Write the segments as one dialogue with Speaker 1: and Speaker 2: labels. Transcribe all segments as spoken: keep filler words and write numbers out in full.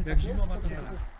Speaker 1: Jak zimowa to tak.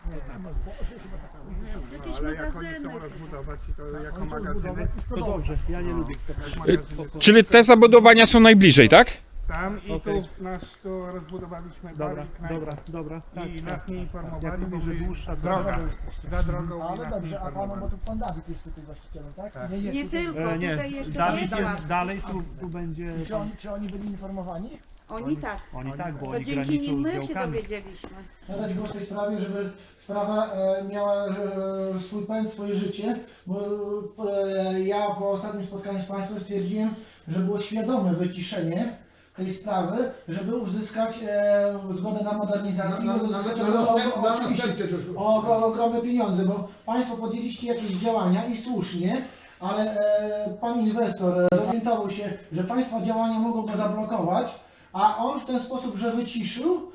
Speaker 2: Jakieś
Speaker 3: Ale jak oni
Speaker 2: magazyny.
Speaker 3: chcą rozbudować i to jako magazyny,
Speaker 1: To dobrze, ja nie lubię.
Speaker 3: jak magazyny to
Speaker 4: Czyli te zabudowania są najbliżej, tak?
Speaker 3: tam i
Speaker 1: Okej.
Speaker 3: tu nasz tu rozbudowaliśmy
Speaker 1: Dobra,
Speaker 3: bar i knajpę.
Speaker 1: dobra, dobra. Tak,
Speaker 3: I
Speaker 1: tak.
Speaker 3: nas nie
Speaker 1: Jak
Speaker 3: informowali, bo
Speaker 1: mówisz, że
Speaker 3: my
Speaker 1: dłuższa
Speaker 3: droga, za drogą
Speaker 5: Ale
Speaker 3: i nas nie
Speaker 5: dobrze, a panu, bo
Speaker 3: informowali.
Speaker 5: tu pan Dawid jest tutaj właścicielem, tak?
Speaker 3: Tak.
Speaker 5: Nie, jest
Speaker 2: Nie
Speaker 5: tutaj.
Speaker 2: tylko,
Speaker 1: E, nie,
Speaker 2: tutaj jeszcze
Speaker 1: Dawid
Speaker 2: Wiesław.
Speaker 1: jest dalej, tu, tu będzie...
Speaker 5: Czy oni, czy oni byli informowani?
Speaker 2: Oni tak.
Speaker 1: Oni tak, bo
Speaker 2: To
Speaker 1: oni
Speaker 2: dzięki
Speaker 1: graniczą
Speaker 2: nim
Speaker 1: z
Speaker 2: my się
Speaker 1: działkami.
Speaker 2: dowiedzieliśmy.
Speaker 5: Nadać głos w tej sprawie, żeby sprawa e, miała e, swój pęd, swoje życie, bo e, ja po ostatnim spotkaniu z Państwem stwierdziłem, że było świadome wyciszenie tej sprawy, żeby uzyskać e, zgodę na modernizację.
Speaker 6: Na- na-
Speaker 5: i
Speaker 6: na-
Speaker 5: uzyskać
Speaker 6: na
Speaker 5: o- o-
Speaker 6: następne- na
Speaker 5: oczywiście
Speaker 6: następne to-
Speaker 5: o, o ogromne pieniądze, bo Państwo podjęliście jakieś działania i słusznie, ale e, Pan inwestor e, zorientował się, że Państwa działania mogą go zablokować, a on w ten sposób, że wyciszył,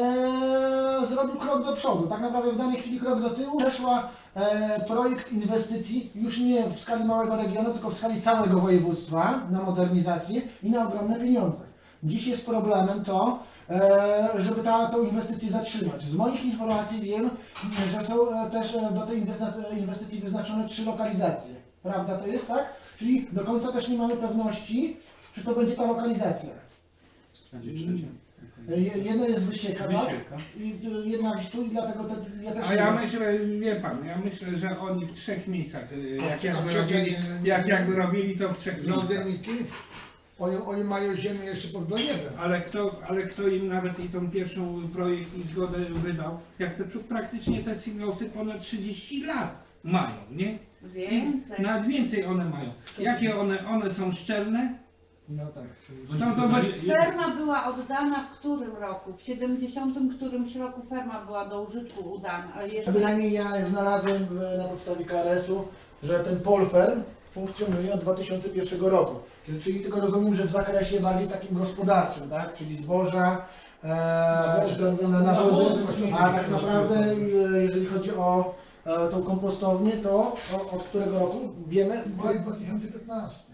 Speaker 5: e, zrobił krok do przodu. Tak naprawdę w danej chwili krok do tyłu. Przeszła e, projekt inwestycji już nie w skali małego regionu, tylko w skali całego województwa na modernizację i na ogromne pieniądze. Dziś jest problemem to, e, żeby ta, tą inwestycję zatrzymać. Z moich informacji wiem, że są e, też e, do tej inwesta- inwestycji wyznaczone trzy lokalizacje. Prawda to jest, tak? Czyli do końca też nie mamy pewności, czy to będzie ta lokalizacja.
Speaker 1: Będzie trzecia.
Speaker 5: E, je- Jedna jest Wysieka, tak?
Speaker 1: Wysieka.
Speaker 5: I e, jedna gdzieś tu i dlatego te, ja też
Speaker 3: A
Speaker 5: nie
Speaker 3: ja
Speaker 5: wiem.
Speaker 3: myślę, wie pan, ja myślę, że oni w trzech miejscach, y,
Speaker 6: A
Speaker 3: jak
Speaker 6: czy-
Speaker 3: jakby
Speaker 6: a czy-
Speaker 3: robili,
Speaker 6: nie-
Speaker 3: jak jakby robili to w trzech miejscach.
Speaker 6: Lądniki, oni, oni mają ziemię jeszcze pod Wleniewem.
Speaker 3: Ale kto, ale kto im nawet i tą pierwszą projekt i zgodę wydał, jak te praktycznie te silosy ponad trzydzieści lat mają, nie?
Speaker 2: Więcej.
Speaker 3: Nawet więcej one mają. Jakie one, one są szczelne?
Speaker 5: No tak.
Speaker 3: To, to bez...
Speaker 2: Ferma była oddana w którym roku? W siedemdziesiątym którymś roku ferma była do użytku udana. A jeżeli...
Speaker 5: Bynajmniej ja znalazłem w, na podstawie K R S-u, że ten Polfer funkcjonuje od dwa tysiące pierwszego roku. Czyli, czyli tylko rozumiem, że w zakresie bardziej takim gospodarczym, tak? Czyli zboża, e, czy to na nawozy, a tak naprawdę e, jeżeli chodzi o e, tą kompostownię, to o, od którego roku wiemy?
Speaker 6: Maj dwa tysiące piętnasty.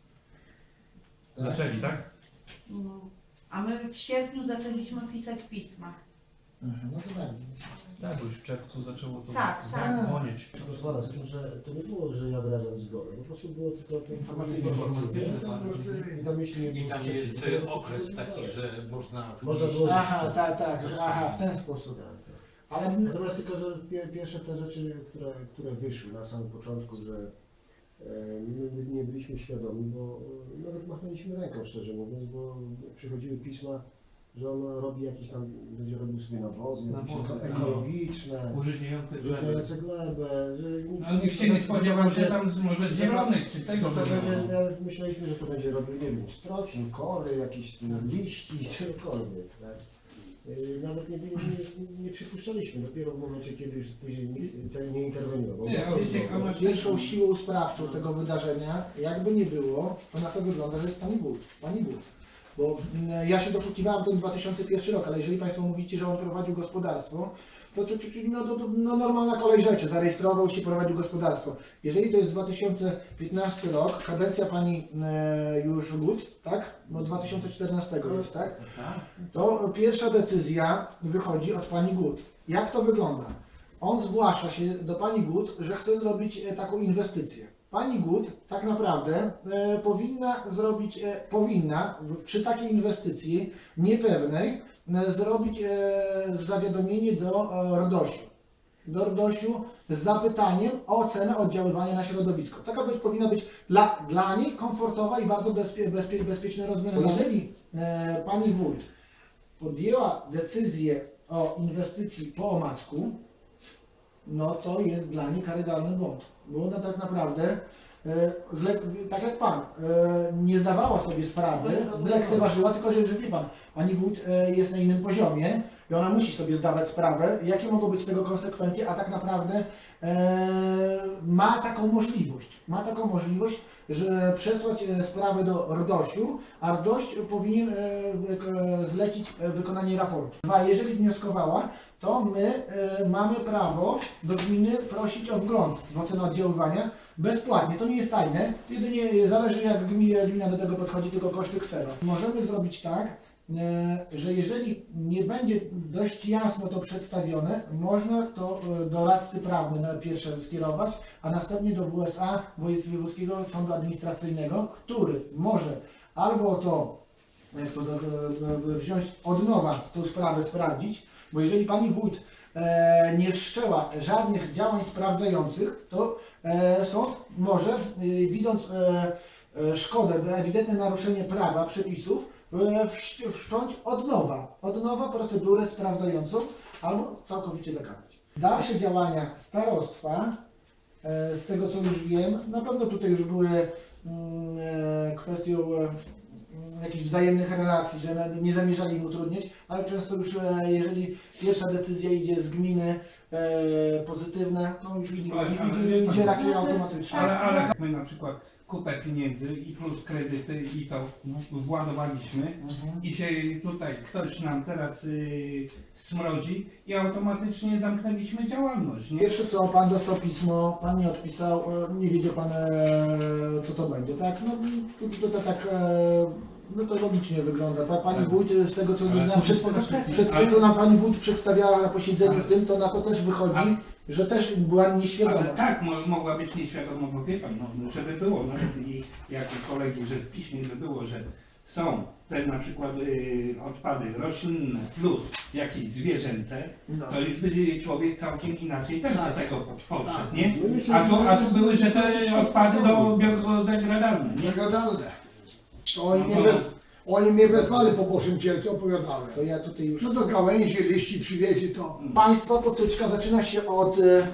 Speaker 1: Zaczęli, tak?
Speaker 2: No. A my w sierpniu zaczęliśmy pisać pisma.
Speaker 5: Mhm, no to tak.
Speaker 1: Tak, bo już w czerwcu zaczęło to
Speaker 2: Tak, tak.
Speaker 1: dzwonić.
Speaker 7: Pozwala, z tym, że to nie było, że ja wyrażam zgodę, po prostu było tylko to
Speaker 5: Informacyjne.
Speaker 7: I tam jeśli nie
Speaker 8: I
Speaker 7: było
Speaker 8: tam jest
Speaker 7: sprzeciwu,
Speaker 8: y, okres taki, że można
Speaker 7: Można
Speaker 8: wnieść-
Speaker 7: było-
Speaker 5: Aha, tak, tak, aha, w ten sposób.
Speaker 7: Tak, tak.
Speaker 5: Ale
Speaker 7: Natomiast tylko, że pie, pierwsze te rzeczy, które, które wyszły na samym początku, że e, my nie byliśmy świadomi, bo e, nawet machnęliśmy ręką, szczerze mówiąc, bo przychodziły pisma, że on robi jakieś tam, będzie robił sobie nawozy, jakieś
Speaker 1: Nawozy,
Speaker 7: eko-
Speaker 1: tak.
Speaker 7: ekologiczne,
Speaker 1: Użyźniające gleby.
Speaker 7: wyżające glebę, że nikt
Speaker 3: No nikt się nie spodziewał, że tam może z zielonych czy
Speaker 7: To,
Speaker 3: tego
Speaker 7: to będzie,
Speaker 3: będzie.
Speaker 7: nawet myśleliśmy, że to będzie robił, nie wiem, strocin, kory, jakieś liści, czegokolwiek, tak? Yy, Nawet nie, nie, nie przypuszczaliśmy, dopiero w momencie, kiedy już później nikt ten nie interweniował.
Speaker 3: Nie,
Speaker 7: Bo
Speaker 3: wiecie,
Speaker 7: to-
Speaker 3: ono-
Speaker 5: pierwszą siłą sprawczą tego wydarzenia, jakby nie było, to na to wygląda, że jest Pani Bóg. Pani Bóg. Bo mm, ja się doszukiwałem ten dwa tysiące pierwszy rok, ale jeżeli Państwo mówicie, że on prowadził gospodarstwo, to, czy, czy, czy, no, to, to no, normalna kolej rzeczy, zarejestrował się, prowadził gospodarstwo. Jeżeli to jest dwa tysiące piętnasty rok, kadencja Pani e, już Gut, tak? No dwa tysiące czternastego jest, tak? To pierwsza decyzja wychodzi od Pani Gut. Jak to wygląda? On zgłasza się do Pani Gut, że chce zrobić e, taką inwestycję. Pani Gut tak naprawdę e, powinna zrobić, e, powinna w, przy takiej inwestycji niepewnej e, zrobić e, zawiadomienie do e, RDOŚ-u. Do RDOŚ-u z zapytaniem o ocenę oddziaływania na środowisko. Taka być, powinna być dla, dla niej komfortowa i bardzo bezpie, bezpie, bezpieczne rozwiązanie. Jeżeli e, Pani Wójt podjęła decyzję o inwestycji po omacku, no to jest dla niej karygodny błąd. Bo ona tak naprawdę, e, zle, tak jak Pan, e, nie zdawała sobie sprawy, zlekceważyła, tylko że, że wie Pan, Pani Wójt e, jest na innym poziomie i ona musi sobie zdawać sprawę, jakie mogą być z tego konsekwencje, a tak naprawdę e, ma taką możliwość, ma taką możliwość, że przesłać e, sprawę do RDOŚ-u, a RDOŚ powinien e, wyk- zlecić e, wykonanie raportu. Dwa, jeżeli wnioskowała, to my e, mamy prawo do gminy prosić o wgląd w ocenę oddziaływania bezpłatnie. To nie jest tajne, jedynie zależy jak gmina, gmina do tego podchodzi, tylko koszty ksero. Możemy zrobić tak, e, że jeżeli nie będzie dość jasno to przedstawione, można to e, do radcy prawnej na pierwsze skierować, a następnie do W S A, Wojewódzkiego Sądu Administracyjnego, który może albo to, jak to e, wziąć od nowa tą sprawę sprawdzić, bo jeżeli pani wójt e, nie wszczęła żadnych działań sprawdzających, to e, sąd może, e, widząc e, e, szkodę, ewidentne naruszenie prawa, przepisów, e, wszcz- wszcząć od nowa, od nowa procedurę sprawdzającą albo całkowicie zakazać. Dalsze działania starostwa, e, z tego co już wiem, na pewno tutaj już były mm, e, kwestią e, jakichś wzajemnych relacji, że nie zamierzali im utrudniać, ale często już e, jeżeli pierwsza decyzja idzie z gminy e, pozytywna, to już idzie,
Speaker 3: Ale- ale-
Speaker 5: idzie, idzie raczej automatycznie.
Speaker 3: Ale, ale my na przykład kupę pieniędzy i plus kredyty i to władowaliśmy
Speaker 5: Mhm.
Speaker 3: i się tutaj ktoś nam teraz y, smrodzi i automatycznie zamknęliśmy działalność, nie?
Speaker 5: Pierwsze co, pan dostał pismo, pan nie odpisał, e, nie wiedział pan e, co to będzie, tak? No to, to, to tak, e, no to logicznie wygląda. Pa, pani
Speaker 3: Ale-
Speaker 5: wójt z tego co
Speaker 3: ale
Speaker 5: nam
Speaker 3: co
Speaker 5: przedstawia,
Speaker 2: to znaczy?
Speaker 5: przed,
Speaker 3: Ale-
Speaker 5: co nam pani wójt przedstawiała na posiedzeniu
Speaker 3: Ale-
Speaker 5: w tym, to na to też wychodzi,
Speaker 3: Ale-
Speaker 5: że też była nieświadoma.
Speaker 3: Ale tak, mo mogła być nieświadoma, bo wie pan, no, żeby było nawet i jako kolegi, że w piśmie by było, że są te na przykład y, odpady roślinne plus jakieś zwierzęce,
Speaker 5: No.
Speaker 3: to już by człowiek całkiem inaczej też
Speaker 5: Tak.
Speaker 3: do tego podszedł,
Speaker 5: Tak.
Speaker 3: nie?
Speaker 7: My myślę,
Speaker 3: A tu,
Speaker 7: że
Speaker 3: a
Speaker 7: to
Speaker 3: tu
Speaker 7: jest-
Speaker 3: były, że te odpady do biodegradalne, nie?
Speaker 6: Niegadalne. To oni,
Speaker 3: No
Speaker 6: mnie,
Speaker 3: to-
Speaker 6: we, oni mnie wezwali po Bożym Cielcu, opowiadałem.
Speaker 5: To ja tutaj już...
Speaker 6: No do gałęzi, liści przywiezie to.
Speaker 5: Państwa potyczka zaczyna się od e,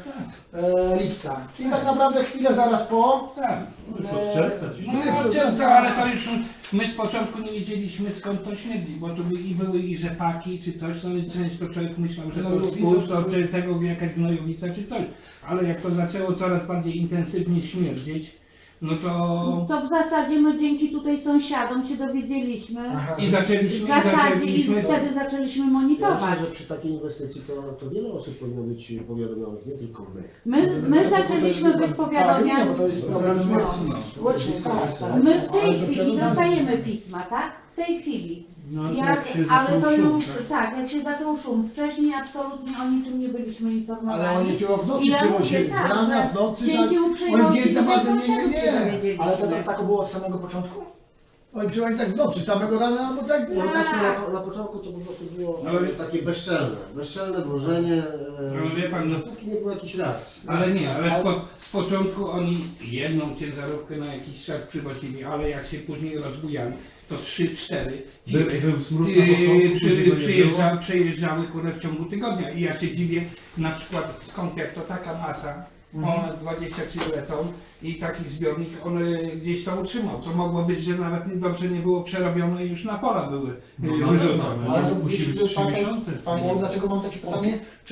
Speaker 5: e, lipca, czyli tak naprawdę chwilę zaraz po.
Speaker 3: Tak.
Speaker 1: Już od czerwca gdzieś.
Speaker 3: No, no czerwca, ale to już my z początku nie wiedzieliśmy skąd to śmierdzi, bo tu by, i były i rzepaki czy coś, no i często człowiek myślał, że to
Speaker 5: Gnojowice,
Speaker 3: skór, to
Speaker 5: czy-
Speaker 3: czy tego jakaś gnojowica czy coś, ale jak to zaczęło coraz bardziej intensywnie śmierdzieć, no to
Speaker 2: To w zasadzie my dzięki tutaj sąsiadom się dowiedzieliśmy.
Speaker 5: Aha.
Speaker 3: i
Speaker 2: W
Speaker 3: zaczęliśmy, i
Speaker 2: zasadzie i
Speaker 3: zaczęliśmy
Speaker 2: wtedy zaczęliśmy
Speaker 7: Ja
Speaker 2: monitorować.
Speaker 7: myślę, że przy takiej inwestycji to, to wiele osób powinno być powiadomionych, nie tylko my.
Speaker 2: My, my zaczęliśmy być
Speaker 5: Cała gmina,
Speaker 2: powiadomiani.
Speaker 5: bo to jest problem społeczny, tak, tak.
Speaker 2: My w tej
Speaker 6: Ale
Speaker 2: chwili
Speaker 6: dopiero na-
Speaker 2: dostajemy pisma, tak? W tej chwili.
Speaker 1: No,
Speaker 2: Jak,
Speaker 1: jak się
Speaker 2: ale
Speaker 1: zaczął
Speaker 2: to
Speaker 1: szum,
Speaker 2: już,
Speaker 1: tak?
Speaker 2: tak, jak się zaczął szum. Wcześniej absolutnie o niczym nie byliśmy informowani.
Speaker 6: Ale oni tylko w nocy
Speaker 2: I ja mówię
Speaker 6: przywozili,
Speaker 2: tak,
Speaker 6: z rana,
Speaker 2: że
Speaker 6: w nocy, tak.
Speaker 2: dzięki
Speaker 6: Oni
Speaker 2: uprzejmości
Speaker 6: biedne
Speaker 2: tutaj
Speaker 6: maty, nie, nie,
Speaker 2: sąsiadów się
Speaker 6: nie.
Speaker 2: dowiedzieliśmy.
Speaker 5: Ale to tak było od samego początku?
Speaker 6: Oni przywozili tak w nocy, samego rana, bo tak
Speaker 7: No,
Speaker 6: było.
Speaker 7: tak, na, na początku to po prostu było
Speaker 3: Ale-
Speaker 7: takie bezczelne, bezczelne dążenie, e,
Speaker 3: Ale wie pan, no-
Speaker 7: dopóki nie było jakiejś reakcji.
Speaker 3: ale nie, ale z, po, z początku oni jedną ciężarówkę na jakiś czas przywozili, ale jak się później rozbujali, to trzy, cztery
Speaker 1: Był,
Speaker 3: dziwy
Speaker 1: był smród na
Speaker 3: Yy,
Speaker 1: początku,
Speaker 3: przy,
Speaker 1: później go nie
Speaker 3: przyjeżdża,
Speaker 1: było.
Speaker 3: przejeżdżały kurde w ciągu tygodnia i ja się dziwię na przykład skąd jak to taka masa, ponad dwadzieścia kiloton i taki zbiornik on y, gdzieś to utrzymał. To mogło być, że nawet nie- dobrze nie było przerobione i już na pola były y,
Speaker 1: No, no,
Speaker 3: wyrzucone.
Speaker 1: no,
Speaker 5: Ale
Speaker 1: no,
Speaker 5: to
Speaker 1: musi być trzy
Speaker 5: pan-
Speaker 1: miesiące.
Speaker 5: Państwo, dlaczego mam takie pytanie? Czy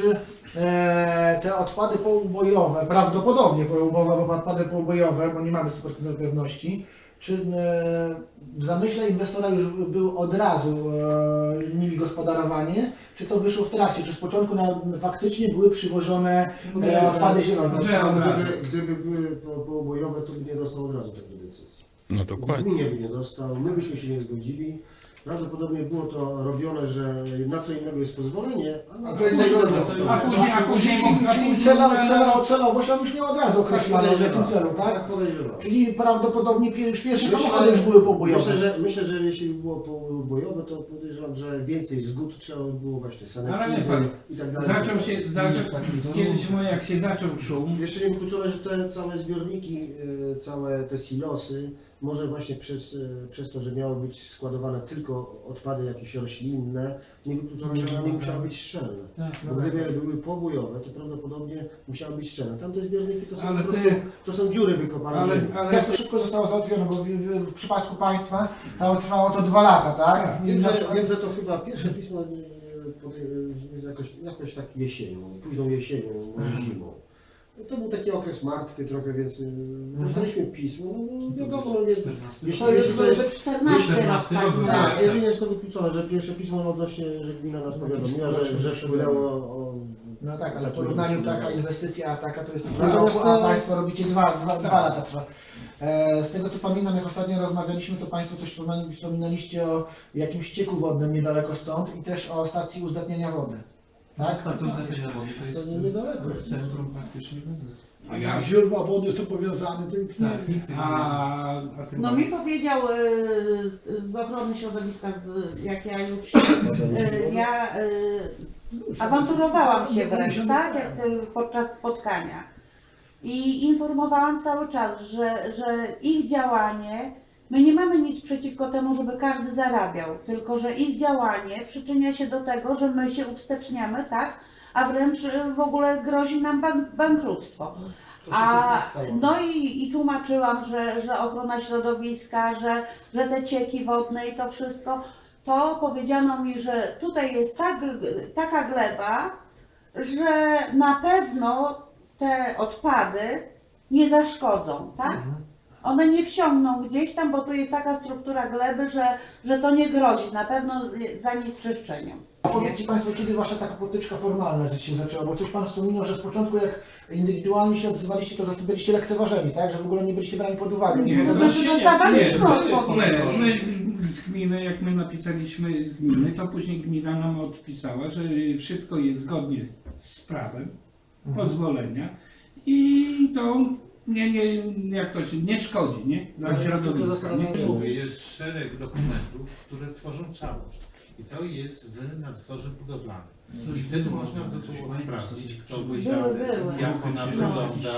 Speaker 5: e, te odpady poubojowe, prawdopodobnie poubojowe, bo odpady poubojowe, bo nie mamy stu procent pewności, czy e, w zamyśle inwestora już był od razu e, nimi gospodarowanie, czy to wyszło w trakcie, czy z początku na, faktycznie były przywożone e, odpady zielone?
Speaker 3: Że od razu.
Speaker 7: Gdyby, gdyby były po- poubojowe, to by nie dostał od razu takiej decyzji.
Speaker 4: No
Speaker 7: W
Speaker 4: dokładnie.
Speaker 7: gminie by nie dostał, my byśmy się nie zgodzili. Prawdopodobnie było to robione, że na co innego jest pozwolenie, a na
Speaker 6: A
Speaker 7: co
Speaker 6: to innego
Speaker 7: innego
Speaker 6: nie
Speaker 7: dostał.
Speaker 3: A później, a później,
Speaker 5: Czyli,
Speaker 3: a
Speaker 5: czyli
Speaker 3: później
Speaker 5: celo, celo, celowość on już miał od razu określoną, w jakim celu,
Speaker 7: Tak
Speaker 5: tak?
Speaker 7: podejrzewam.
Speaker 5: Czyli prawdopodobnie pier- już pierwsze
Speaker 7: Myślę,
Speaker 5: samochody już były poubojowe.
Speaker 7: Myślę, że, myślę, że jeśli by było poubojowe, to podejrzewam, że więcej zgód trzeba by było właśnie
Speaker 3: Ale wie
Speaker 7: sanepidy
Speaker 3: pan,
Speaker 7: i tak dalej.
Speaker 3: zaczął się, zaczął, kiedyś mo- jak się zaczął szum,
Speaker 7: Jeszcze nie wykluczone, że te całe zbiorniki, y, całe te silosy, może właśnie przez, y, przez to, że miały być składowane tylko odpady jakieś roślinne, nie wykluczone, że one musiały być szczelne.
Speaker 3: Tak.
Speaker 7: Bo gdyby były pobojowe, to prawdopodobnie musiały być szczelne. Tamte zbiorniki to są
Speaker 3: Ale
Speaker 7: po
Speaker 3: ty-
Speaker 7: prostu, to są dziury wykopane. w
Speaker 3: ale,
Speaker 7: ziemi.
Speaker 3: ale
Speaker 5: Jak to szybko zostało załatwione, bo w, w, w przypadku państwa to trwało to dwa lata, tak? I
Speaker 7: Wiem,
Speaker 5: na
Speaker 7: że,
Speaker 5: przykład-
Speaker 7: wiem, że to chyba pierwsze pismo y, pod, y, jakoś, jakoś tak jesienią, późną jesienią, może zimą. To był taki okres martwy trochę, więc y, dostaliśmy pismo. No, no wiadomo, nie, jeśli,
Speaker 2: To już
Speaker 7: jeśli to jest
Speaker 2: byłby czternasty rok,
Speaker 1: czternasty
Speaker 2: tak?
Speaker 1: rok był,
Speaker 2: tak.
Speaker 7: tak, jedynie jest to wykluczone, że pierwsze pismo odnośnie, że gmina nas powiadomiła, że, że wpłynęło o...
Speaker 5: No tak, ale w porównaniu taka inwestycja, a taka to jest pół
Speaker 7: Natomiast
Speaker 5: roku, a
Speaker 7: to-
Speaker 5: państwo robicie dwa, dwa, dwa lata trwa. E, z tego co pamiętam, jak ostatnio rozmawialiśmy, to Państwo też wspomina- wspominaliście o jakimś ścieku wodnym niedaleko stąd i też o stacji uzdatniania wody. Tak?
Speaker 1: Stacją uzdatniania wody to
Speaker 7: To
Speaker 1: jest
Speaker 7: niedaleko.
Speaker 1: w centrum praktycznie Wezny.
Speaker 6: A jak źródła wody są powiązane, tym nie.
Speaker 1: Tak, nikt tego nie
Speaker 3: A, a ty
Speaker 2: No mi powiedział y, y, z ochrony środowiska, z, jak ja już się, y, ja y, awanturowałam się wręcz, tak, jak, y, podczas spotkania i informowałam cały czas, że, że ich działanie, my nie mamy nic przeciwko temu, żeby każdy zarabiał, tylko że ich działanie przyczynia się do tego, że my się uwsteczniamy, tak, a wręcz y, w ogóle grozi nam bank, bankructwo. A, no i, i tłumaczyłam, że, że ochrona środowiska, że, że te cieki wodne i to wszystko, to powiedziano mi, że tutaj jest tak, taka gleba, że na pewno te odpady nie zaszkodzą, tak? One nie wsiągną gdzieś tam, bo tu jest taka struktura gleby, że, że to nie grozi na pewno zanieczyszczeniem.
Speaker 5: A powiedzcie Państwo, kiedy Wasza taka potyczka formalna się zaczęła? Bo coś Pan wspominał, że z początku jak indywidualnie się odzywaliście, to za to byliście lekceważeni, tak? Że w ogóle nie byliście brani pod uwagę.
Speaker 3: Nie,
Speaker 2: To
Speaker 3: to
Speaker 2: znaczy
Speaker 3: się
Speaker 2: dostawaliśmy
Speaker 3: nie,
Speaker 2: odpowiedzi.
Speaker 3: My, my z- z gminy, jak my napisaliśmy z gminy, to później gmina nam odpisała, że wszystko jest zgodnie z prawem, pozwolenia i to nie, nie, jak to się, nie szkodzi, nie? Dla
Speaker 7: Ale
Speaker 3: środowiska,
Speaker 7: dlaczego zastanawiam się,
Speaker 8: Mówię, jest szereg dokumentów, które tworzą całość. I to jest w nadzorze budowlanym. I wtedy można by było sprawdzić, kto wydał,
Speaker 2: były.
Speaker 8: jak ona
Speaker 2: No.
Speaker 8: wygląda.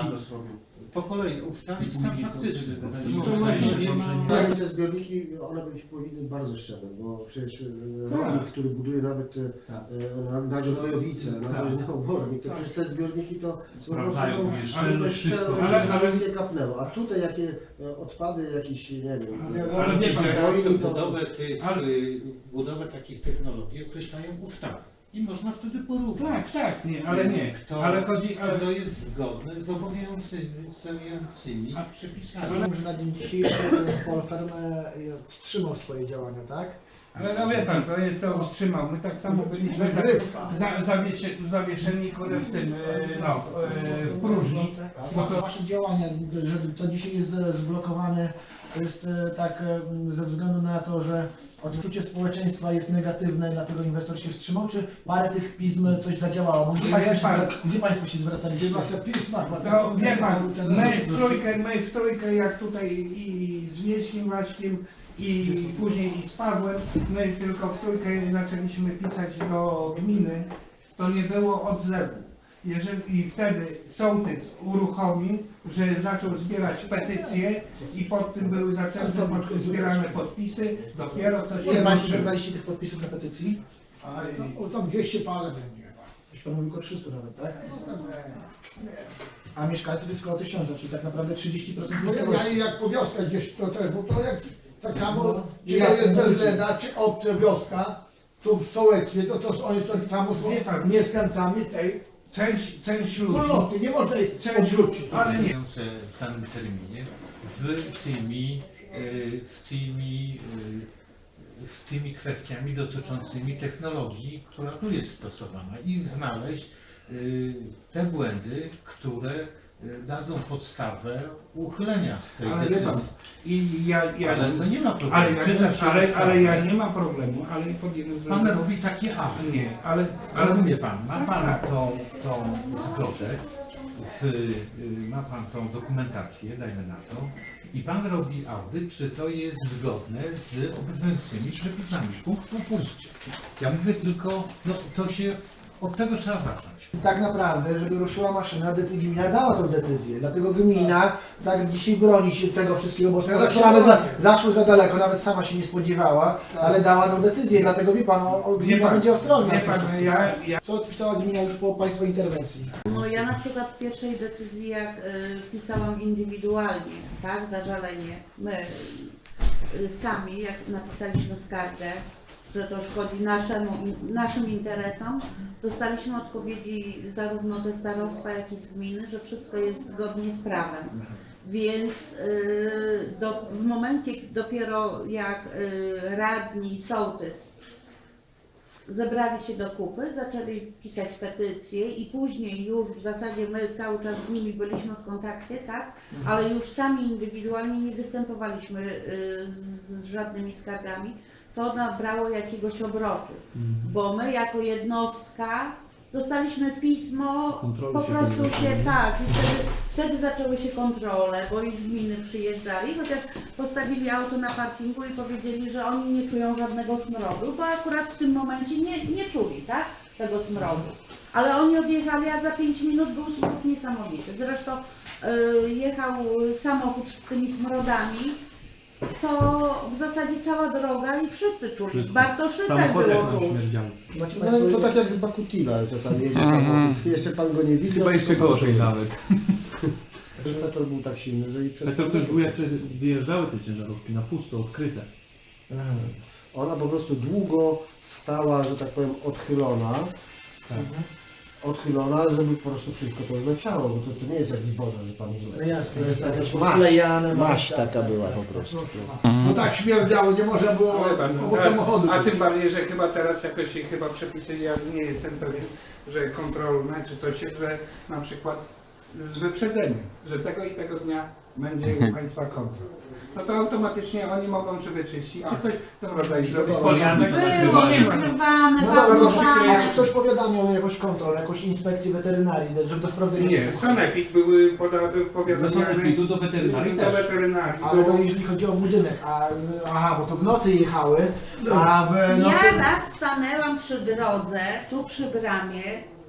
Speaker 8: Po kolei ustalić stan faktyczny.
Speaker 3: No to właśnie nie ma-
Speaker 7: Tak, te zbiorniki, one być powinny bardzo szczere, bo przecież e, rolnik, który buduje nawet e,
Speaker 1: Tak.
Speaker 7: e, na, na Gojowice, na
Speaker 1: Tak.
Speaker 7: coś na obornik, to
Speaker 6: Tak.
Speaker 7: przecież te zbiorniki to po prostu
Speaker 1: Sprawdzają
Speaker 7: są
Speaker 1: pomieszczenie,
Speaker 7: szczere,
Speaker 1: wszystko.
Speaker 7: szczere,
Speaker 3: Ale-
Speaker 7: żeby
Speaker 3: ale-
Speaker 7: nawet nie kapnęło. A tutaj jakie e, odpady, jakieś, nie wiem,
Speaker 3: Ale- ale wie pan,
Speaker 8: Teraz
Speaker 7: wojny, to-
Speaker 8: budowę, tych,
Speaker 3: Ale-
Speaker 8: y, budowę takich technologii określają ustawy. I można wtedy porównać.
Speaker 3: Tak, tak, nie, ale nie.
Speaker 8: Kto,
Speaker 3: Ale chodzi,
Speaker 8: Czy
Speaker 3: ale
Speaker 8: to jest zgodne z obowiązującymi
Speaker 3: A-
Speaker 8: przepisami.
Speaker 5: Rozumiem, że na dzień dzisiejszy Polferm e, wstrzymał swoje działania, tak?
Speaker 3: Ale no wie pan, to jest to wstrzymał. My tak samo byliśmy
Speaker 6: Wygrywa.
Speaker 3: za, za, zawiesie, zawieszeni kurde, w tym, e, no, e, w próżni. Bo to,
Speaker 5: Wasze działania, że to dzisiaj jest e, zblokowane, to jest e, tak e, ze względu na to, że odczucie społeczeństwa jest negatywne, dlatego inwestor się wstrzymał, czy parę tych pism coś zadziałało? Bo Gdzie
Speaker 3: Wie
Speaker 5: Państwo się,
Speaker 3: pan-
Speaker 5: zwra- gdzie państwo się zwracaliście?
Speaker 6: Chyba te pisma, chyba te-
Speaker 3: to wie pan,
Speaker 6: ten-
Speaker 3: my w trójkę, my w trójkę jak tutaj i z Wieśkiem Waśkiem i później i z Pawłem, my tylko w trójkę zaczęliśmy pisać do gminy, to nie było odzewu. Jeżeli i wtedy sołtys uruchomił, że zaczął zbierać petycje i pod tym były zaczęte pod, zbierane podpisy, dopiero coś
Speaker 5: Ile
Speaker 3: się
Speaker 5: Państwo
Speaker 3: ruszyło.
Speaker 5: zebraliście tych podpisów na petycji?
Speaker 3: Aj,
Speaker 6: No, o, tam dwieście parę będzie chyba.
Speaker 5: Już Pan mówił o trzystu nawet, tak?
Speaker 6: No, tam, e, nie.
Speaker 5: A mieszkańców jest około tysiąca, czyli tak naprawdę trzydzieści procent
Speaker 6: No, ja,
Speaker 5: miejscowości.
Speaker 6: ja jak po wioskach gdzieś to też, bo to jak tak samo,
Speaker 5: No,
Speaker 6: czy
Speaker 5: jasne,
Speaker 6: jest
Speaker 5: mówicie.
Speaker 6: bezwzględna, czy obca wioska, tu w sołectwie, to, to oni tak samo
Speaker 3: Wie
Speaker 6: są
Speaker 3: pan.
Speaker 6: mieszkańcami tej
Speaker 3: Część, część ludzi,
Speaker 6: wspólnoty, nie można ich
Speaker 3: Część-
Speaker 6: odrzucić.
Speaker 3: ale nie.
Speaker 8: w danym terminie z tymi, y, z tymi, y, z tymi kwestiami dotyczącymi technologii, która tu jest stosowana i znaleźć y, te błędy, które y, dadzą podstawę uchylenia tej
Speaker 3: Ale wie
Speaker 8: decyzji.
Speaker 3: pan, i ja, ja,
Speaker 8: Ale to nie ma problemu.
Speaker 3: ale, ja,
Speaker 8: Czyta się
Speaker 3: ale,
Speaker 8: ustawę.
Speaker 3: ale ja nie ma problemu, ale pod jednym
Speaker 8: Pan
Speaker 3: względem.
Speaker 8: robi takie awy.
Speaker 3: Nie, ale, ale
Speaker 8: Rozumie pan, ma pan tą, tą zgodę, z, y, ma pan tą dokumentację, dajmy na to, i pan robi audyt, czy to jest zgodne z obowiązującymi przepisami, punkt po punkcie. Ja mówię tylko, no to się, od tego trzeba zacząć.
Speaker 5: Tak naprawdę, żeby ruszyła maszyna, de- gmina dała tę decyzję. Dlatego gmina tak dzisiaj broni się tego wszystkiego, bo
Speaker 6: Teraz się
Speaker 5: sprawy za,
Speaker 6: broni.
Speaker 5: zaszły za daleko, nawet sama się nie spodziewała,
Speaker 6: Tak.
Speaker 5: ale dała tę decyzję. Dlatego wie pan, o, o,
Speaker 3: wie
Speaker 5: gmina
Speaker 3: pan,
Speaker 5: będzie ostrożna.
Speaker 3: wie
Speaker 5: w tym
Speaker 3: pan,
Speaker 5: wszystkim.
Speaker 3: ja, ja
Speaker 5: Co odpisała gmina już po państwa interwencji?
Speaker 2: No ja na przykład w pierwszej decyzji jak y, pisałam indywidualnie, tak, zażalenie, my y, sami jak napisaliśmy skargę, że to szkodzi naszemu, naszym interesom, dostaliśmy odpowiedzi zarówno ze starostwa, jak i z gminy, że wszystko jest zgodnie z prawem. Więc y, do, w momencie dopiero jak y, radni i sołtys zebrali się do kupy, zaczęli pisać petycje i później już w zasadzie my cały czas z nimi byliśmy w kontakcie, tak? Ale już sami indywidualnie nie występowaliśmy y, z, z żadnymi skargami. To nabrało jakiegoś obrotu, bo my jako jednostka dostaliśmy pismo,
Speaker 1: Kontroli
Speaker 2: po
Speaker 1: się
Speaker 2: prostu
Speaker 1: nie
Speaker 2: się
Speaker 1: robi.
Speaker 2: tak, i wtedy, wtedy zaczęły się kontrole, bo i z gminy przyjeżdżali, chociaż postawili auto na parkingu i powiedzieli, że oni nie czują żadnego smrodu, bo akurat w tym momencie nie, nie czuli, tak, tego smrodu. Ale oni odjechali, a za pięć minut był smród niesamowity. Zresztą y, jechał samochód z tymi smrodami, to w zasadzie cała droga i wszyscy czuli.
Speaker 1: Wszyscy.
Speaker 2: Bartoszyce
Speaker 1: Samochody
Speaker 2: było
Speaker 1: nam
Speaker 2: czuć.
Speaker 1: śmierdziały.
Speaker 5: Macie
Speaker 7: No
Speaker 5: Państwo...
Speaker 7: to tak jak z Bakutila, czasami jedzie
Speaker 4: Mhm.
Speaker 7: samochód, jeszcze pan go nie widzi.
Speaker 1: Chyba jeszcze gorzej nawet.
Speaker 7: Petrol był tak silny, że i przez...
Speaker 1: To też był jak wyjeżdżały te ciężarówki na pusto, odkryte.
Speaker 7: Mhm. Ona po prostu długo stała, że tak powiem, odchylona. Odchylona, żeby po prostu wszystko to zleciało, bo to, to nie jest jak zboże, że pan
Speaker 5: No
Speaker 7: zleci.
Speaker 5: jasne,
Speaker 7: To jest
Speaker 5: jest
Speaker 7: jakaś
Speaker 5: taka
Speaker 7: maść,
Speaker 5: posklejane,
Speaker 7: maść
Speaker 5: tak,
Speaker 7: taka
Speaker 5: tak,
Speaker 7: była
Speaker 5: tak,
Speaker 7: po
Speaker 5: tak,
Speaker 7: prostu.
Speaker 5: proszę. No tak śmierdziało, nie można było
Speaker 3: Ale pan,
Speaker 5: obok samochodu.
Speaker 3: a, a tym bardziej, że chyba teraz jakoś się chyba przepisy, ja nie jestem pewien, że kontrolne, czy to się, że na przykład z wyprzedzeniem, że tego i tego dnia będzie u Państwa kontrol. No to automatycznie oni mogą czy wyczyścić, czy coś w tym rodzaju zrobić.
Speaker 1: Foliami
Speaker 2: Było
Speaker 3: Nie ma.
Speaker 2: przykrywane,
Speaker 5: No dobra, no,
Speaker 2: pakowane.
Speaker 5: a czy ktoś powiadamiał jakąś kontrolę, jakąś inspekcję weterynarii, żeby to sprawdzenie
Speaker 3: Nie, sanepid były poda-
Speaker 1: Do
Speaker 3: powiadomione
Speaker 1: sanepidu, do weterynarii
Speaker 3: do
Speaker 1: też.
Speaker 3: weterynarii.
Speaker 5: Ale to
Speaker 3: bo-
Speaker 5: jeżeli chodzi o budynek, a, aha, bo to w nocy jechały, a w nocy...
Speaker 2: Ja raz stanęłam przy drodze, tu przy bramie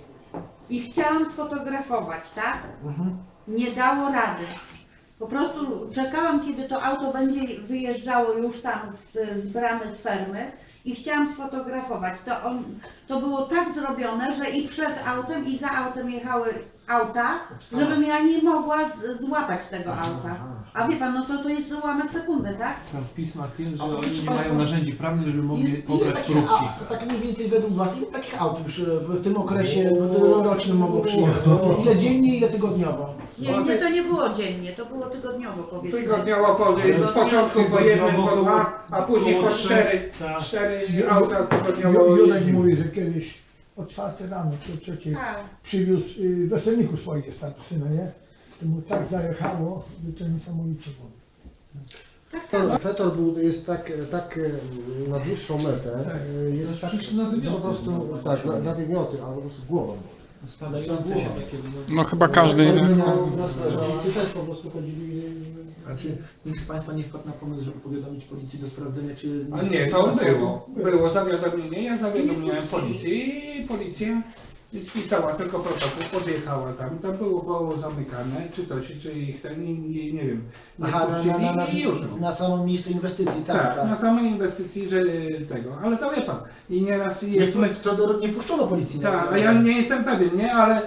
Speaker 2: i chciałam sfotografować, tak?
Speaker 5: Mhm.
Speaker 2: Nie dało rady. Po prostu czekałam, kiedy to auto będzie wyjeżdżało już tam z, z bramy, z fermy i chciałam sfotografować. To, on, to było tak zrobione, że i przed autem, i za autem jechały auta, żebym ja nie mogła z, złapać tego auta. A wie pan, no to, to jest ułamek sekundy, tak?
Speaker 1: Tam w pismach jest, że
Speaker 5: A
Speaker 1: oni
Speaker 5: proszę
Speaker 1: nie
Speaker 5: państwa,
Speaker 1: mają narzędzi prawnych, żeby
Speaker 5: Ile,
Speaker 1: mogli
Speaker 5: ile
Speaker 1: pobrać
Speaker 5: takich,
Speaker 1: próbki.
Speaker 5: a, tak mniej więcej według Was, ile takich aut już w, w tym okresie rocznym mogło przyjechać? Ile dziennie, ile tygodniowo?
Speaker 2: Nie, nie, to nie było dziennie, to było tygodniowo, powiedzmy.
Speaker 3: Tygodniowo po, z początku po jednym, po dwa, a później po cztery,
Speaker 1: Tak.
Speaker 3: cztery auta tygodniowo
Speaker 6: Ju- Jurek
Speaker 3: jeździły.
Speaker 6: mówi, że kiedyś o czwartej rano, czy o trzeciej
Speaker 2: Tak.
Speaker 6: przywiózł y, weselników swoich z taty syna, nie? To mu tak zajechało, że to niesamowicie było.
Speaker 2: Tak, tak.
Speaker 7: Fetor, fetor był, jest tak, tak e, na dłuższą metę, e, jest tak,
Speaker 1: przecież na
Speaker 7: że
Speaker 1: wymioty
Speaker 7: po prostu,
Speaker 1: było.
Speaker 7: tak, na, na wymioty, ale po prostu głową.
Speaker 1: Spadające się takie...
Speaker 4: No chyba każdy...
Speaker 7: No, no, strażacy też po prostu chodzili...
Speaker 5: A czy nikt z Państwa nie wpadł na pomysł, żeby powiadomić policji do sprawdzenia, czy...
Speaker 3: A nie, to było. Było zawiadomienie, ja zawiadomiłem policję i policja spisała tylko protokół, podjechała tam, tam było, było zamykane, czy coś, czy ich ten, nie, nie, nie wiem, nie
Speaker 5: Aha, na,
Speaker 3: puścili
Speaker 5: na, na,
Speaker 3: i już.
Speaker 5: na samo miejsce inwestycji, tak,
Speaker 3: Tak,
Speaker 5: tak.
Speaker 3: na samej inwestycji, że tego, ale to wie pan, i nieraz jest...
Speaker 5: Nie, to do, nie wpuszczono policji.
Speaker 3: Tak,
Speaker 5: na-
Speaker 3: a ja nie jestem pewien, nie, ale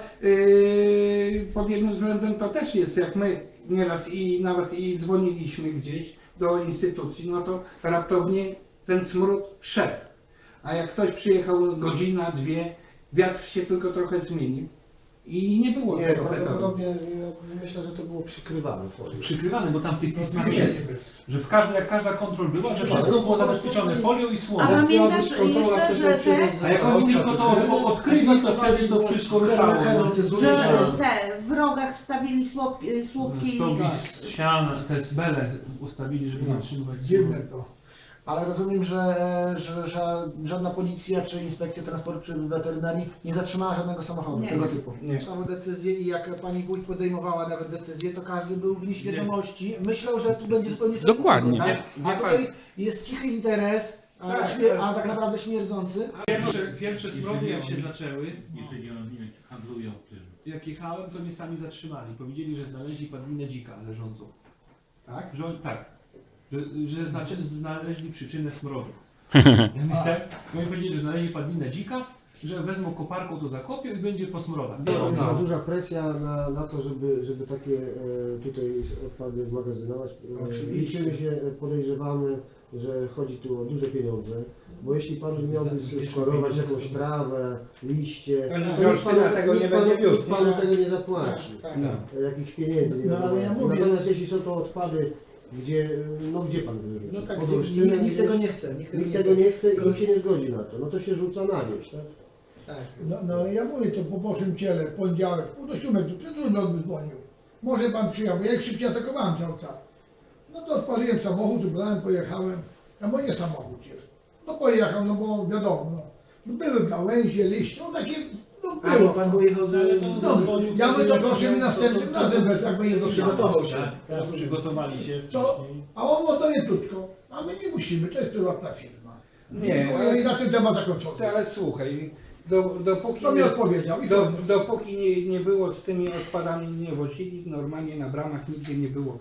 Speaker 3: yy, pod jednym względem to też jest, jak my nieraz i nawet i dzwoniliśmy gdzieś do instytucji, no to raptownie ten smród szedł. A jak ktoś przyjechał godzina, dwie, wiatr się tylko trochę zmienił i nie było
Speaker 7: Nie,
Speaker 3: tego fetoru.
Speaker 7: prawdopodobnie ja myślę, że to było przykrywane folią.
Speaker 1: Przykrywany, bo tam w tych pismach jest, że w każdej, jak każda kontrol była, że wszystko było zabezpieczone folią i
Speaker 2: A
Speaker 1: słomą.
Speaker 2: pamiętasz
Speaker 7: kontrola,
Speaker 2: jeszcze, że
Speaker 7: która
Speaker 2: te,
Speaker 7: przyjeżdża-
Speaker 1: A jak oni tylko to od- odkryli, to wtedy to wszystko ruszało. No.
Speaker 5: Hermetyzuje
Speaker 2: że
Speaker 5: się.
Speaker 2: te w rogach wstawili słup, słupki
Speaker 1: Stogi z ścian, te zbele ustawili, żeby zatrzymywać
Speaker 6: Dziwne
Speaker 1: smród.
Speaker 6: to.
Speaker 5: Ale rozumiem, że, że, że żadna policja, czy inspekcja transportu, czy weterynarii nie zatrzymała żadnego samochodu
Speaker 2: Nie.
Speaker 5: tego typu.
Speaker 3: Nie.
Speaker 5: Samo decyzje i jak pani wójt podejmowała nawet decyzję, to każdy był w nieświadomości. Myślał, że tu będzie zupełnie coś
Speaker 4: Dokładnie.
Speaker 5: innego, tak?
Speaker 3: Nie,
Speaker 5: A
Speaker 3: nie
Speaker 5: tutaj jest cichy interes, a,
Speaker 3: Tak,
Speaker 5: śmie- a tak naprawdę śmierdzący.
Speaker 1: Pierwsze, pierwsze smrody jak się zaczęły,
Speaker 8: Jeżeli oni handlują tym.
Speaker 1: jak jechałem, to mnie sami zatrzymali. Powiedzieli, że znaleźli padlinę dzika leżącą.
Speaker 5: Tak?
Speaker 1: Że on, tak. Że, że znaczy, znaleźli przyczynę smrodu. Ja mówię, tak, i oni powiedzieli, że znaleźli padlinę dzika, że wezmą koparką to zakopią i będzie po smrodach.
Speaker 7: Jest za duża presja na, na to, żeby, żeby takie e, tutaj odpady magazynować. E,
Speaker 5: Oczywiście.
Speaker 7: Liczymy się, e, podejrzewamy, że chodzi tu o duże pieniądze, bo jeśli pan miałby składować jakąś trawę, liście,
Speaker 3: To nikt
Speaker 7: to nikt
Speaker 3: Olsztyna
Speaker 7: panu,
Speaker 3: tego
Speaker 7: nikt
Speaker 3: nie
Speaker 7: panu,
Speaker 3: będzie wiózł.
Speaker 7: nikt panu tego nie zapłaci.
Speaker 5: Tak.
Speaker 3: No.
Speaker 7: E, Jakichś pieniędzy nie
Speaker 6: No, ale ja
Speaker 7: zapłaci.
Speaker 6: mówię-
Speaker 7: Natomiast jeśli są to odpady Gdzie, no gdzie pan wyrzuci?
Speaker 5: No tak,
Speaker 7: Pod
Speaker 5: nikt,
Speaker 7: Olsztynem
Speaker 5: nikt, nikt
Speaker 7: gdzieś?
Speaker 5: tego nie chce. Nikt,
Speaker 7: Nikt
Speaker 5: tego
Speaker 7: tego
Speaker 5: nie
Speaker 7: nie chce i
Speaker 5: Tylko-
Speaker 7: nikt się nie zgodzi na to. No to się rzuca na wieś, tak?
Speaker 5: Tak.
Speaker 6: No, no ale ja mówię to po Bożym ciele, poniedziałek, pół do siódmej, tu przed trudno dzwonił. Może pan przyjechał, bo ja ich szybciej atakowałem cały czas. No to odpaliłem samochód, ubrałem, pojechałem. A bo nie samochód jest. No pojechał, no bo wiadomo, no. No były gałęzie, liście, no takie, no
Speaker 7: A, bo
Speaker 6: było.
Speaker 7: pan pojechał z...
Speaker 1: Ale to
Speaker 6: No,
Speaker 1: zadzwonił
Speaker 6: ja
Speaker 1: wtedy,
Speaker 6: bym to
Speaker 1: jak
Speaker 6: proszę mi
Speaker 1: miał-
Speaker 6: następnym
Speaker 1: to- to-
Speaker 6: razem,
Speaker 1: to-
Speaker 6: jak będzie
Speaker 5: Przygotował się.
Speaker 1: Tak, teraz przygotowali się
Speaker 6: To,
Speaker 1: wcześniej.
Speaker 6: a on no to nie krótko, a my nie musimy, to jest prywatna firma.
Speaker 3: Nie,
Speaker 6: No,
Speaker 3: ale-
Speaker 6: i na ten temat zakończony.
Speaker 3: Ale słuchaj, do, dopóki,
Speaker 6: To mi odpowiedział i
Speaker 3: do,
Speaker 6: to
Speaker 3: dopóki nie, nie było z tymi odpadami, nie wozili, normalnie na bramach nigdzie nie było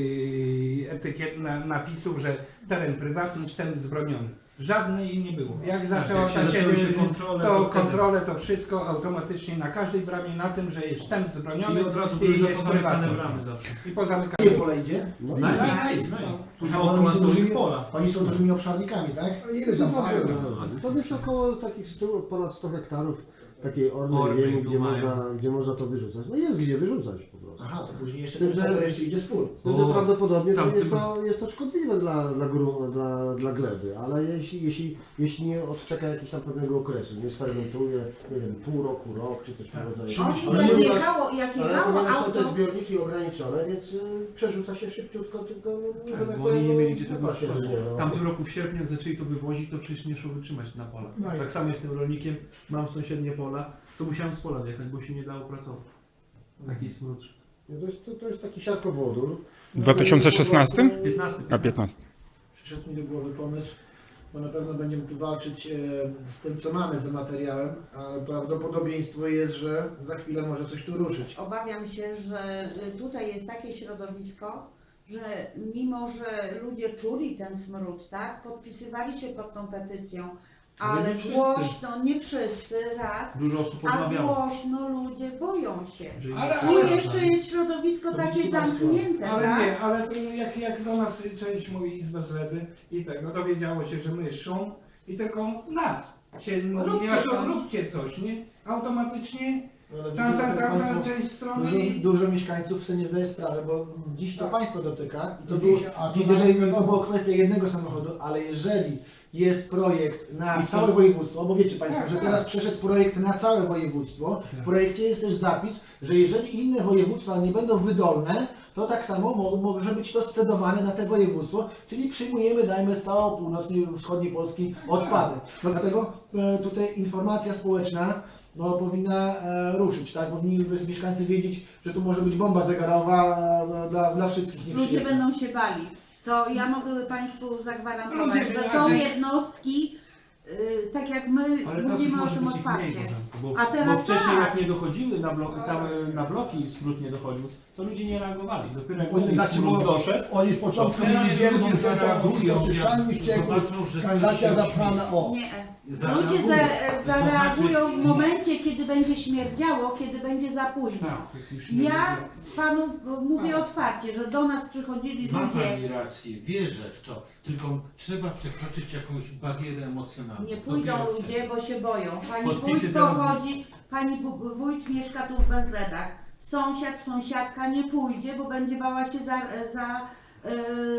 Speaker 3: yy, etykiet, na, napisów, że teren prywatny, wstęp wzbroniony. Żadnej nie było. Jak zaczęło
Speaker 1: jak się
Speaker 3: ta
Speaker 1: zaczęły się
Speaker 3: siedem,
Speaker 1: kontrole,
Speaker 3: to
Speaker 1: to wtedy-
Speaker 3: kontrole, to wszystko automatycznie na każdej bramie na tym, że jest wstęp wzbroniony
Speaker 1: I od razu
Speaker 3: i
Speaker 1: były
Speaker 3: jest
Speaker 1: zapozamykane
Speaker 3: prywatny.
Speaker 1: bramy zawsze.
Speaker 3: I pozamykane.
Speaker 5: Gdzie pole idzie?
Speaker 7: No,
Speaker 1: Naj,
Speaker 7: i-
Speaker 1: naj,
Speaker 3: naj,
Speaker 1: naj.
Speaker 3: no.
Speaker 1: Tu
Speaker 5: Aha,
Speaker 1: dookoła
Speaker 5: oni są
Speaker 1: stoi
Speaker 5: dużymi,
Speaker 1: pola.
Speaker 5: oni są dużymi obszarnikami, tak?
Speaker 6: a ile tam mają?
Speaker 7: To jest około takich stu, ponad sto hektarów takiej ornej
Speaker 1: Ornej
Speaker 7: ziemi,
Speaker 1: tu
Speaker 7: gdzie
Speaker 1: mają.
Speaker 7: można, gdzie można to wyrzucać. No jest gdzie wyrzucać po prostu.
Speaker 5: Aha, to później jeszcze,
Speaker 7: Tym, że-
Speaker 5: to jeszcze idzie z pól.
Speaker 7: Z tym, że
Speaker 1: O,
Speaker 7: prawdopodobnie to
Speaker 1: tam
Speaker 7: jest,
Speaker 1: tym-
Speaker 7: to jest to szkodliwe dla, dla, gru, dla, dla gleby, ale jeśli, jeśli, jeśli nie odczeka jakiegoś tam pewnego okresu, nie sfermentuje, nie wiem, pół roku, rok czy coś w tym rodzaju.
Speaker 2: O,
Speaker 7: Ale
Speaker 2: jak
Speaker 7: ponieważ-
Speaker 2: jechało, jak
Speaker 7: Ale
Speaker 2: jechało
Speaker 7: ponieważ są
Speaker 2: auto,
Speaker 7: te zbiorniki ograniczone, więc y, przerzuca się szybciutko, tylko że
Speaker 1: Tak,
Speaker 7: tak
Speaker 1: bo
Speaker 7: powiem,
Speaker 1: oni nie
Speaker 7: no,
Speaker 1: mieli gdzie tego
Speaker 7: chyba się
Speaker 1: wywozić.
Speaker 7: nie, no.
Speaker 1: W tamtym roku w sierpniu, jak zaczęli to wywozić, to przecież nie szło wytrzymać na polach.
Speaker 6: No i-
Speaker 1: Tak samo jestem rolnikiem, mam sąsiednie pola, to musiałem z pola zjechać, bo się nie dało pracować. Taki smród.
Speaker 7: No to, jest, to, to jest taki siarkowodór.
Speaker 4: W dwa tysiące szesnastym?
Speaker 1: piętnasty.
Speaker 4: A piętnasty.
Speaker 5: Przyszedł mi do głowy pomysł, bo na pewno będziemy tu walczyć e, z tym, co mamy za materiałem, ale prawdopodobieństwo jest, że za chwilę może coś tu ruszyć.
Speaker 2: obawiam się, że y, tutaj jest takie środowisko, że mimo, że ludzie czuli ten smród, tak, podpisywali się pod tą petycją,
Speaker 1: Ale
Speaker 2: ale
Speaker 1: nie wszyscy.
Speaker 2: głośno, nie wszyscy, raz,
Speaker 1: Dużo osób
Speaker 2: a
Speaker 1: odmawiało.
Speaker 2: głośno ludzie boją się.
Speaker 1: że im
Speaker 3: Ale-
Speaker 1: przeszkadza.
Speaker 2: I jeszcze jest środowisko
Speaker 5: To
Speaker 2: takie
Speaker 5: widzicie państwo,
Speaker 2: zamknięte,
Speaker 3: Ale
Speaker 2: tak?
Speaker 3: nie, ale to jak, jak do nas część mówi Izba Zledy i tego, dowiedziało się, że my szum i tylko nas się mówi,
Speaker 2: Róbcie
Speaker 3: nie, to
Speaker 2: coś.
Speaker 3: róbcie coś, nie? Automatycznie
Speaker 5: No, ale
Speaker 3: ta,
Speaker 5: widzicie,
Speaker 3: ta,
Speaker 5: jak
Speaker 3: ta, ta
Speaker 5: państwo-
Speaker 3: część strony
Speaker 5: Dużo,
Speaker 3: i...
Speaker 5: dużo mieszkańców sobie nie zdaje sprawy, bo dziś to
Speaker 6: Tak.
Speaker 5: państwo dotyka i to,
Speaker 6: To
Speaker 5: było,
Speaker 6: dzisiaj, a to
Speaker 5: dziś
Speaker 6: na-
Speaker 5: tutaj to było kwestia jednego samochodu, ale jeżeli jest projekt na
Speaker 1: I co?
Speaker 5: całe województwo, bo wiecie państwo,
Speaker 3: Tak,
Speaker 5: że
Speaker 3: tak.
Speaker 5: teraz przeszedł projekt na całe województwo, w projekcie jest też zapis, że jeżeli inne województwa nie będą wydolne, to tak samo mo może być to scedowane na te województwo, czyli przyjmujemy, dajmy z całej północnej, wschodniej Polski odpady. No dlatego e, tutaj informacja społeczna no, powinna e, ruszyć, tak? Powinni mieszkańcy wiedzieć, że tu może być bomba zegarowa e, dla, dla wszystkich
Speaker 2: Ludzie
Speaker 5: nieprzyjemna.
Speaker 2: będą się bali. To ja mogę Państwu zagwarantować,
Speaker 3: Ludzie
Speaker 2: że
Speaker 3: się
Speaker 2: są
Speaker 3: raczej-
Speaker 2: jednostki, y, tak jak my
Speaker 1: Ale teraz już
Speaker 2: mówimy o
Speaker 1: może
Speaker 2: tym
Speaker 1: być ich mniej,
Speaker 2: otwarcie.
Speaker 1: Bożenko, bo,
Speaker 2: A teraz
Speaker 1: bo wcześniej
Speaker 2: tak.
Speaker 1: jak nie dochodziły na, blok, tam, e, na bloki, smród nie dochodził, to ludzie nie reagowali. Dopiero jak
Speaker 6: Oni
Speaker 1: oni
Speaker 6: znaczy,
Speaker 1: smród
Speaker 6: bo-
Speaker 1: doszedł,
Speaker 6: Oni z początku
Speaker 8: To teraz
Speaker 6: mieli wielką
Speaker 8: ludzie
Speaker 6: że to
Speaker 8: zareagują,
Speaker 6: oczyszczalni
Speaker 8: jak
Speaker 6: ścieków,
Speaker 8: zobaczą, że
Speaker 6: kanalizacja
Speaker 8: ktoś się
Speaker 6: zapchana, o.
Speaker 2: Nie.
Speaker 8: Zareagują.
Speaker 2: Ludzie za, zareagują w
Speaker 8: To znaczy-
Speaker 2: momencie, kiedy będzie śmierdziało, kiedy będzie za późno.
Speaker 1: tak, jak już nie
Speaker 2: Ja Panu mówię otwarcie, że do nas przychodzili
Speaker 8: Ma
Speaker 2: ludzie,
Speaker 8: Pani rację, wierzę w to, tylko trzeba przekroczyć jakąś barierę emocjonalną.
Speaker 2: nie
Speaker 8: To
Speaker 2: pójdą
Speaker 8: bierę
Speaker 2: ludzie, bo się boją. Pani
Speaker 1: Podpisy
Speaker 2: wójt
Speaker 1: teraz-
Speaker 2: pochodzi, pani bu- wójt mieszka tu w Bezledach. Sąsiad, sąsiadka nie pójdzie, bo będzie bała się za, za yy,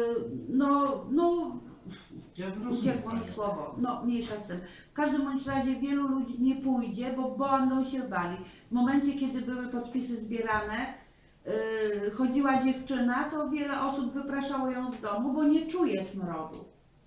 Speaker 2: no, no
Speaker 8: Ja rozumiem
Speaker 2: uciekło mi
Speaker 8: Panią.
Speaker 2: słowo, no mniejsza z tym. W każdym bądź razie wielu ludzi nie pójdzie, bo będą się bali. W momencie, kiedy były podpisy zbierane, yy, chodziła dziewczyna, to wiele osób wypraszało ją z domu, bo nie czuje smrodu.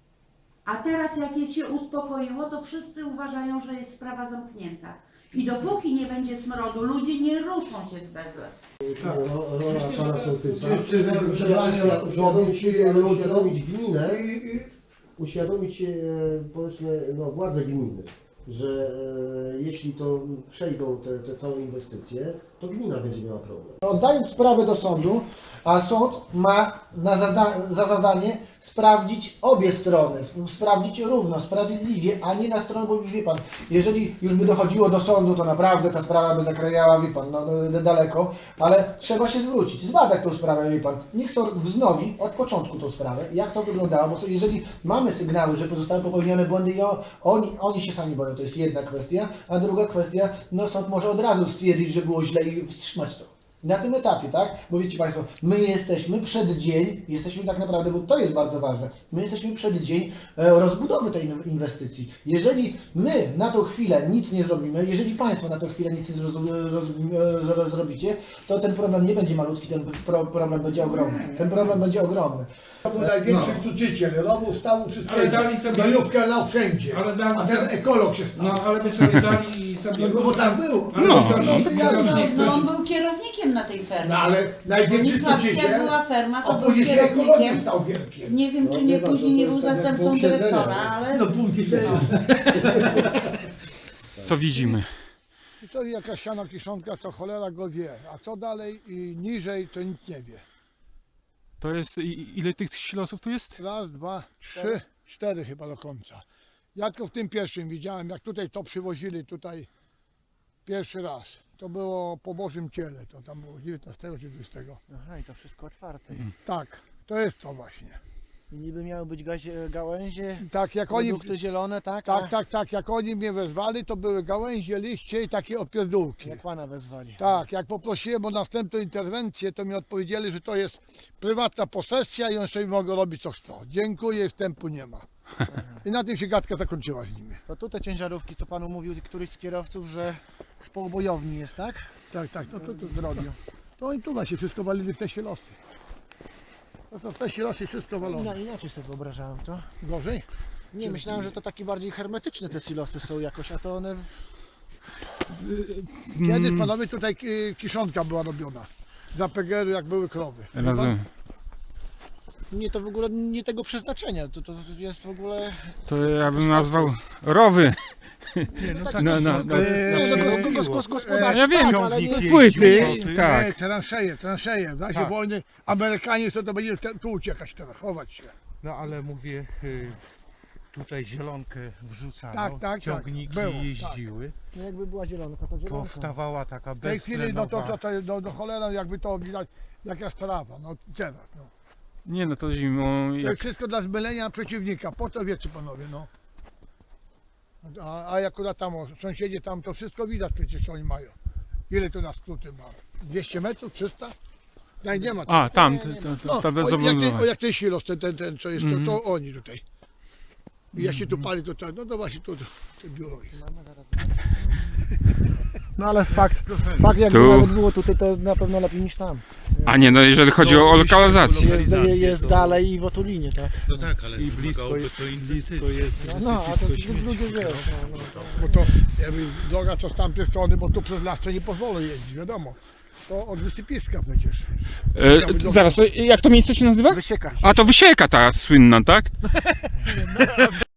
Speaker 2: A teraz jak je się uspokoiło, to wszyscy uważają, że jest sprawa zamknięta. I dopóki nie będzie smrodu, ludzie nie ruszą się z Bezle.
Speaker 6: Tak.
Speaker 7: Ro- Rola pana sołtysa.
Speaker 6: Jeszcze
Speaker 7: Trzeba
Speaker 6: zagrożenie
Speaker 7: uświadomić, uświadomić,
Speaker 6: ludzie.
Speaker 7: uświadomić gminę,
Speaker 6: I- i-
Speaker 7: uświadomić e, powiedzmy no, władze gminy, że e, jeśli to przejdą te, te całe inwestycje, to gmina będzie miała problem.
Speaker 5: Oddając sprawę do sądu, a sąd ma na zada za zadanie sprawdzić obie strony, sp- sprawdzić równo, sprawiedliwie, a nie na stronę, bo już wie pan, jeżeli już by dochodziło do sądu, to naprawdę ta sprawa by zakrajała, wie pan, no, no, daleko, ale trzeba się zwrócić, zbadać tą sprawę, wie pan. Niech sąd wznowi od początku tą sprawę, jak to wyglądało, bo jeżeli mamy sygnały, że zostały popełnione błędy i o, oni, oni się sami boją, to jest jedna kwestia, a druga kwestia, no sąd może od razu stwierdzić, że było źle i wstrzymać to. Na tym etapie, tak? Bo wiecie Państwo, my jesteśmy przed dzień, jesteśmy tak naprawdę, bo to jest bardzo ważne, my jesteśmy przed dzień e, rozbudowy tej inw- inwestycji. Jeżeli my na tą chwilę nic nie zrobimy, jeżeli Państwo na tą chwilę nic nie zroz, roz, roz, zrobicie, to ten problem nie będzie malutki, ten pro, problem będzie ogromny. Ten problem będzie ogromny.
Speaker 6: To był największy truciciel, rowu, stawu, wszystkiego.
Speaker 3: Ale dali sobie-
Speaker 6: Gnojówkę lał wszędzie.
Speaker 3: Ale dali
Speaker 6: A ten
Speaker 3: sobie-
Speaker 6: ekolog się stał.
Speaker 3: No ale by sobie dali i sobie...
Speaker 6: No bo tak było.
Speaker 3: Ale
Speaker 4: No,
Speaker 3: to
Speaker 4: no,
Speaker 3: się-
Speaker 6: to ja-
Speaker 3: kierownik-
Speaker 2: No on był kierownikiem na tej fermie.
Speaker 6: No ale największy
Speaker 2: Bronisławski, jak
Speaker 6: truciciel,
Speaker 2: była ferma,
Speaker 6: a
Speaker 2: to był
Speaker 6: później się ekologiem
Speaker 2: kierownikiem.
Speaker 6: stał wielkim.
Speaker 2: Nie wiem,
Speaker 7: No,
Speaker 2: czy
Speaker 7: wie
Speaker 2: nie
Speaker 7: pan,
Speaker 2: później
Speaker 7: to
Speaker 2: nie
Speaker 7: jest
Speaker 2: był
Speaker 7: tak jak
Speaker 2: zastępcą
Speaker 7: pół siedzenia.
Speaker 2: dyrektora, ale...
Speaker 6: No później.
Speaker 4: Co widzimy?
Speaker 6: I to jakaś siana kiszonka, to cholera go wie. A co dalej i niżej, to nikt nie wie.
Speaker 4: To jest, i- ile tych silosów tu jest?
Speaker 6: Raz, dwa, trzy, cztery chyba do końca. Ja tylko w tym pierwszym widziałem, jak tutaj to przywozili tutaj pierwszy raz. To było po Bożym Ciele, to tam było dziewiętnastego czy dwudziestego.
Speaker 9: Aha, i to wszystko otwarte.
Speaker 6: Tak, to jest to właśnie.
Speaker 9: I niby miały być gazie, gałęzie,
Speaker 6: Tak, jak oni,
Speaker 9: produkty zielone, tak?
Speaker 6: tak,
Speaker 9: A
Speaker 6: tak, tak, jak oni mnie wezwali, to były gałęzie, liście i takie opierdółki.
Speaker 9: Jak pana wezwali.
Speaker 6: Tak, jak poprosiłem o następną interwencję, to mi odpowiedzieli, że to jest prywatna posesja i on sobie mogą robić co chcą. Dziękuję, wstępu nie ma. I na tym się gadka zakończyła z nimi.
Speaker 9: To tu te ciężarówki, co panu mówił któryś z kierowców, że z połbojowni jest, tak?
Speaker 6: Tak, tak, no to, to zrobią. To oni tu na się wszystko walili w te silosy. To są w te silosy wszystko
Speaker 9: Ina,
Speaker 6: walone.
Speaker 9: inaczej sobie wyobrażałem to.
Speaker 6: Gorzej?
Speaker 9: Nie, myślałem, że to takie bardziej hermetyczne te silosy są jakoś, a to one...
Speaker 6: Kiedyś panowie tutaj ki- kiszonka była robiona. Za P G R-u jak były krowy.
Speaker 4: Razem.
Speaker 9: Nie, to w ogóle nie tego przeznaczenia, to, to jest w ogóle...
Speaker 4: To ja bym nazwał rowy.
Speaker 9: Tak,
Speaker 4: No, no, no.
Speaker 9: Nie, no, gos, gos, gos, gospodarcze,
Speaker 4: Ja wiem,
Speaker 9: tak, ale nie...
Speaker 4: płyty,
Speaker 6: Nie,
Speaker 4: tak.
Speaker 6: transeje, transeje. W razie
Speaker 10: Tak.
Speaker 6: wojny Amerykanie to, to będzie te- tu uciekać teraz, chować się.
Speaker 10: No ale mówię, y, tutaj zielonkę wrzucano,
Speaker 6: Tak, tak, tak.
Speaker 10: ciągniki
Speaker 6: Było, tak.
Speaker 10: jeździły,
Speaker 9: No jakby była zielonka, to zielonka.
Speaker 10: powstawała taka
Speaker 6: W tej chwili, no to,
Speaker 10: beztlenowa.
Speaker 6: to, to do, do cholera jakby to widać, jaka sprawa, no teraz, no.
Speaker 4: Nie no, to zimą
Speaker 6: To
Speaker 4: jak...
Speaker 6: jest wszystko dla zmylenia przeciwnika, po to wiecie panowie, no. A, a akurat tam, o, sąsiedzi tam, to wszystko widać przecież oni mają. Ile tu na skróty ma? dwieście metrów, trzysta? No nie ma.
Speaker 4: A, tam, to, to,
Speaker 6: No,
Speaker 4: to, to
Speaker 6: o, jak, ten,
Speaker 4: bezobudowa.
Speaker 6: o, jak ten silos, ten, ten, ten co jest,
Speaker 4: Mhm.
Speaker 6: to, to oni tutaj. I jak się tu pali, to tak, no to właśnie tu, to, to biuro ich.
Speaker 9: No ale fakt, fakt jakby
Speaker 4: Tu.
Speaker 9: nawet było tutaj, to na pewno lepiej niż tam.
Speaker 4: A nie, no jeżeli chodzi o lokalizację.
Speaker 9: Jest, jest dalej i w Otulinie, tak?
Speaker 8: No tak, ale
Speaker 10: I blisko jest, blisko jest
Speaker 9: No, no a to
Speaker 10: wysypisko
Speaker 9: ludzie
Speaker 10: śmieci.
Speaker 9: wiesz, no, no.
Speaker 6: Bo to jakby droga co z tamtej strony, bo tu przez las to nie pozwolą jeździć, wiadomo. To od wysypiska przecież.
Speaker 4: E, zaraz, to jak to miejsce się nazywa?
Speaker 9: Wysieka.
Speaker 4: A to Wysieka ta słynna, tak?